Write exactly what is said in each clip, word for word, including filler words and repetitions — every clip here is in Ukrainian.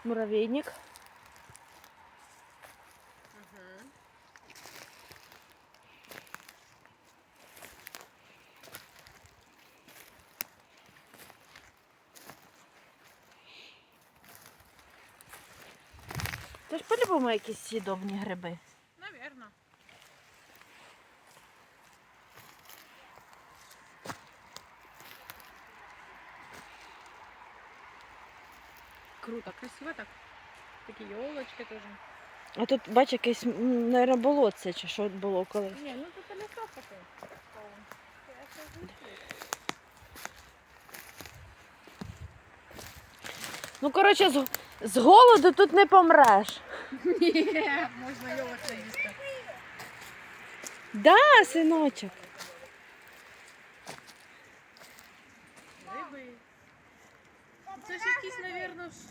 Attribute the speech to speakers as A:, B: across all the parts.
A: Муравейник.
B: Угу.
A: Це ж по-любому якісь съедобні гриби.
B: Навірно. Круто, красиво так. Такі ёлочки теж.
A: А тут, бач, якесь, мабуть, болотце, чи що було колись.
B: Ні, ну тут лісок такий.
A: Ну, коротше, з, з голоду тут не помреш.
B: Ні, можна йолочки їсти.
A: Да, синочок.
B: Риби. Це ж якісь, навірно, ж...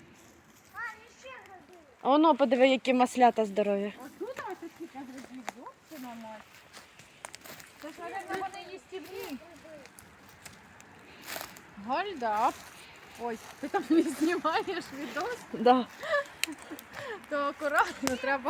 A: А воно, подиви, які маслята здорові.
B: Отут ось такі грибів, зовсім мать. Це ж, навірно, вони їстівні. Гольда. Ой, ти там не знімаєш відос,
A: Да.
B: то акуратно треба.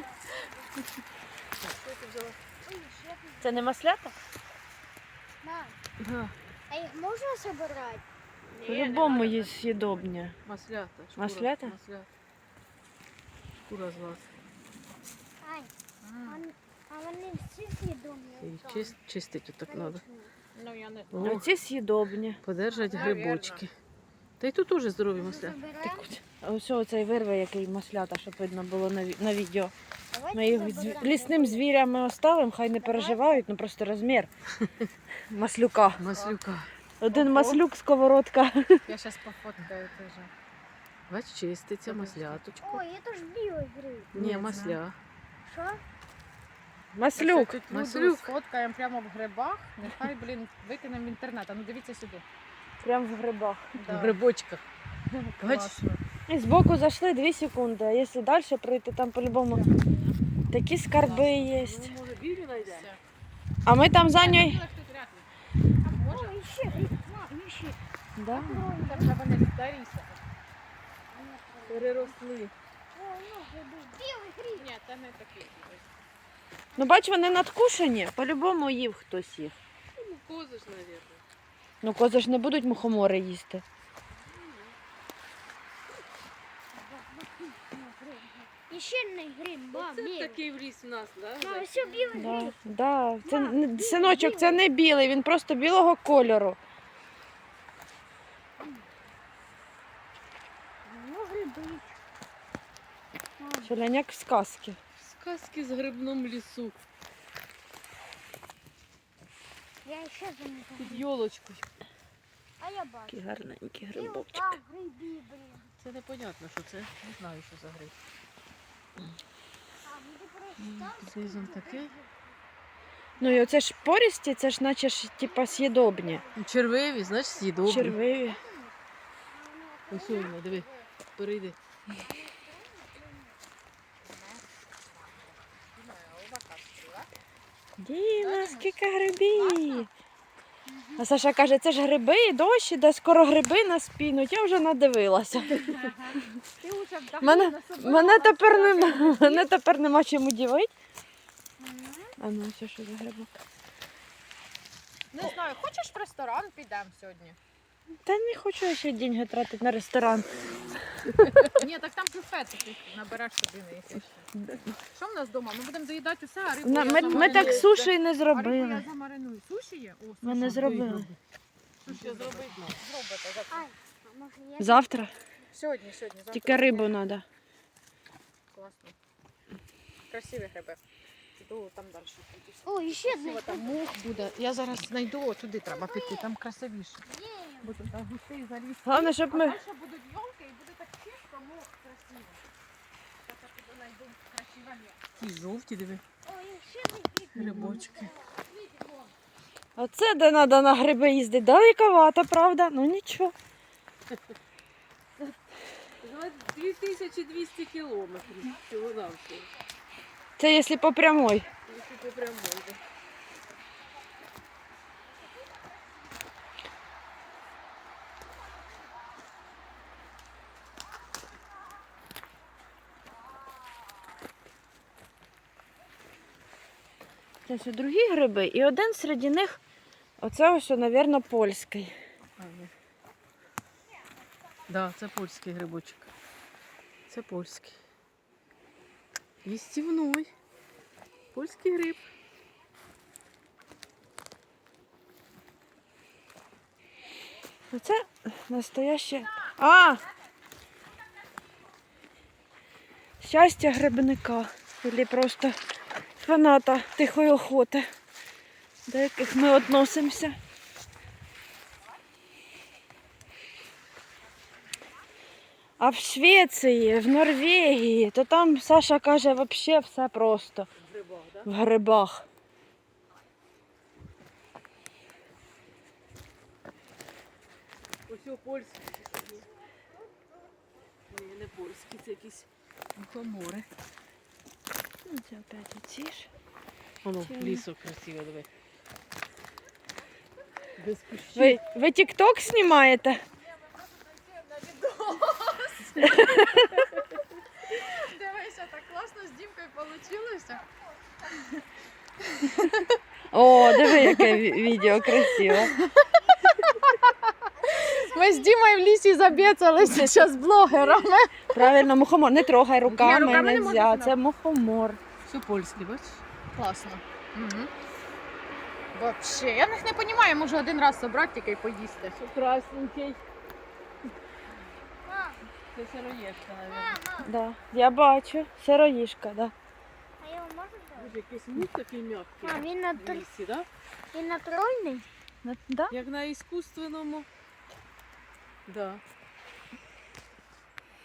A: Це не маслята?
C: Мам,
A: Да.
C: а їх можна забирати?
A: По-любому є съедобні.
B: Маслята. Шкура.
A: Маслята?
B: Маслята. Шкура з глаз.
C: Ань, а, а вони всі з'їдомі?
B: І чист, чистити так треба. Ну, я не
A: А ці съедобні.
B: Подержать грибочки. Та й тут теж здорові маслята.
A: Так от. А ось оцей вирве, який маслята, щоб видно було на, ві- на відео.
C: Давайте
A: Ми їх
C: заберемо.
A: з- лісним звірям ми оставимо, хай не переживають, ну просто розмір маслюка.
B: Маслюка.
A: Один
B: Ого.
A: маслюк, сковородка.
B: Я зараз пофоткаю теж. Бач, чиститься масляточку.
C: Ой, це ж білий гриб.
B: Ні, масля.
C: Що?
A: Маслюк.
B: Маслюк. Сфоткаємо прямо в грибах. Нехай, блін, викинемо в інтернет. А ну дивіться сюди.
A: Прям в грибах.
B: В грибочках. Бач?
A: І Ну, збоку зайшли дві секунди, а якщо далі пройти, там по-любому такі скарби є.
B: Ну, може, білі знайдемо?
A: А ми там за нею.
B: Може?
C: Ой, ще гриб. Мам, ще.
A: Да.
B: Там вже вони старіся. Переросли.
C: Ой, ну гриби. Білий гриб.
B: Ні, це не такі.
A: Ну бач, вони надкушені, по-любому їв хтось їх.
B: Ну, кози ж, мабуть.
A: Ну кози ж не будуть мухомори їсти.
C: І ще не гриб, ба,
B: Це
C: білий.
B: такий в ліс у нас, да?
C: Мам, все білий
A: Да,
C: гриб.
A: да. Це,
C: Мам,
A: не-
C: білий,
A: синочок, це не білий, він просто білого кольору.
C: Ну, гриби. Мам,
A: Шаляняк в сказці.
B: Сказки з грибном лісу.
C: я ще замітила.
B: Під йолочкою.
C: А я бачу.
A: Такий гарненький
C: Білий,
A: грибочок.
C: там гриби, блін.
B: Це непонятно, що це. Не знаю, що за гриб.
C: А, ну ти просто там
B: Знизу таке.
A: Ну і оце ж порісті, це ж наче ж типа съедобні.
B: Червиві, знаєш, съедобні.
A: Червиві.
B: Ось воно, диви, перейди.
A: Діма, скільки грибів. А Саша каже, це ж гриби, дощ іде, скоро гриби нас пінуть. Я вже надивилася.
B: Ти уже
A: Мене, мене, тепер нема, мене тепер нема чим удивити. А ну, це що за грибок?
B: Не знаю, хочеш в ресторан підемо сьогодні?
A: Та не хочу я ще деньги тратити на ресторан.
B: Ні, так там бюфет, ти набереш собі на якесь. Що в нас вдома? Ми будемо доїдати усе, а рибу
A: На-
B: я
A: Ми, ми
B: замариную.
A: так суші й не
B: А рибу я
A: зробили.
B: замариную. Суші є? О,
A: Ми не
B: суші.
A: зробили.
B: Суші зробити. Зробите. завтра.
C: Ай, а може я...
A: Завтра?
B: Сьогодні, сьогодні. Завтра.
A: Тільки рибу треба.
B: Класно. Красиві гриби. Піду там далі.
C: О, і ще одне.
B: Красиво, там мох буде. Я зараз знайду, о, туди треба піти, там красивіше. Бо тут там густий заліз.
A: Головне, щоб
B: А
A: ми...
B: далі будуть йолки і буде так чисто, мох красиво. Так я піду знайду красиве місце. Ті жовті, диви,
C: О, і ще одне гриб.
B: грибочки.
A: Оце де треба на гриби їздити. Далековато, правда? Ну нічого.
B: дві тисячі двісті кілометрів всього-навсього.
A: Це якщо по прямой.
B: Якщо по прямой. да.
A: Це все другі гриби, і один серед них, оце ось, мабуть, польський.
B: А, ні. Да, це польський грибочок. Це польський. Їстівний. Польський гриб.
A: Оце настояще. А! Щастя грибника. Або просто фаната тихої охоти, до яких ми відносимося. А в Швеції, в Норвегії, то там Саша каже, взагалі все просто.
B: В грибах, да?
A: В грибах.
B: Ось о польські. Ні, не польські, це якісь мухомори.
A: Ну, це опять оці ж.
B: Воно,
A: Чи-
B: лісок красиво, диви. Без кущів.
A: Ви, ви тік-ток знімаєте?
B: Дивися, так класно з Дімкою вийшло.
A: О, диви, яке ві- відео красиве.
B: Ми з Дімою в лісі забєцалися зараз блогерами.
A: Правильно, мухомор. Не трогай руками,
B: Ні, руками не
A: нельзя.
B: можна.
A: Це мухомор.
B: Все польське, бачиш? Класно. Угу. Вообще, я них не розумію, можу один раз собрати тільки й поїсти.
A: Що красненький.
B: Це сироєшка, мабуть.
A: Да. Я бачу. Сироїшка, да.
C: А його можна взяти?
B: Боже, якийсь мух такий м'який.
C: А, він,
B: В
C: натур...
B: лісі, да?
C: він натуральний?
A: На- Да?
B: Як на іскусственному. Да.